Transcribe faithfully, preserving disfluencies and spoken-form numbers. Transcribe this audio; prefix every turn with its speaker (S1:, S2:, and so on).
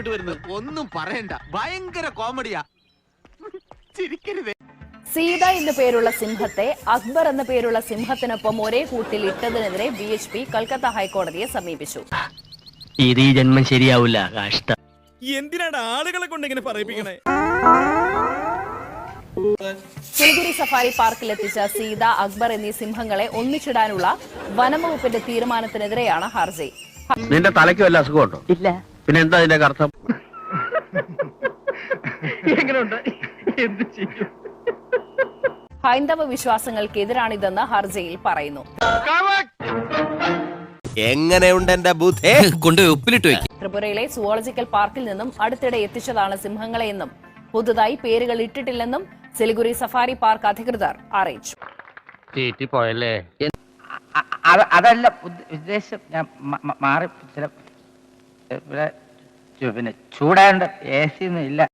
S1: ഇങ്ങോട്ട് വരുന്നത്? ഒന്നും പറയണ്ട, ഭയങ്കര കോമഡിയാ. ചിരിക്കരുതേ.
S2: സീത എന്ന പേരുള്ള സിംഹത്തെ അക്ബർ എന്ന പേരുള്ള സിംഹത്തിനൊപ്പം ഒരേ കൂട്ടിൽ ഇട്ടതിനെതിരെ ബി എച്ച് പി കൽക്കത്ത ഹൈക്കോടതിയെ സമീപിച്ചു.
S3: ഇത് ഈ ജന്മം ശരിയാവില്ല. കഷ്ടം.
S4: എന്തിനാണ് ആളുകളെ കൊണ്ട് ഇങ്ങനെ പറയിപ്പിക്കണേ?
S2: സിലിഗുരി സഫാരി പാർക്കിലെത്തിച്ച സീത, അക്ബർ എന്നീ സിംഹങ്ങളെ ഒന്നിച്ചിടാനുള്ള വനംവകുപ്പിന്റെ തീരുമാനത്തിനെതിരെയാണ് ഹർജി.
S3: നിന്റെ തലയ്ക്ക് വല്ല അസുഖമുണ്ടോ? ഇല്ല. പിന്നെ എന്താ ഇതിന്റെ അർത്ഥം? എങ്ങനെയുണ്ട്? എന്ത് ചെയ്യും?
S2: ഹൈന്ദവ വിശ്വാസങ്ങൾക്കെതിരാണിതെന്ന് ഹർജിയിൽ പറയുന്നു.
S5: എങ്ങനെയുണ്ട് എന്റെ ബുദ്ധി?
S6: കൊണ്ടുപോയി ഉപ്പിലിട്ട് വെക്കും.
S2: ത്രിപുരയിലെ സുവോളജിക്കൽ പാർക്കിൽ നിന്നും അടുത്തിടെ എത്തിച്ചതാണ് സിംഹങ്ങളെയെന്നും പുതുതായി പേരുകൾ ഇട്ടിട്ടില്ലെന്നും സിലിഗുരി സഫാരി പാർക്ക് അധികൃതർ അറിയിച്ചു.
S3: പോയല്ലേ?
S7: അതല്ല ഉദ്ദേശം, ഞാൻ മാറി ചില പിന്നെ ചൂടാണ്ട് എ സി ഒന്നും ഇല്ല.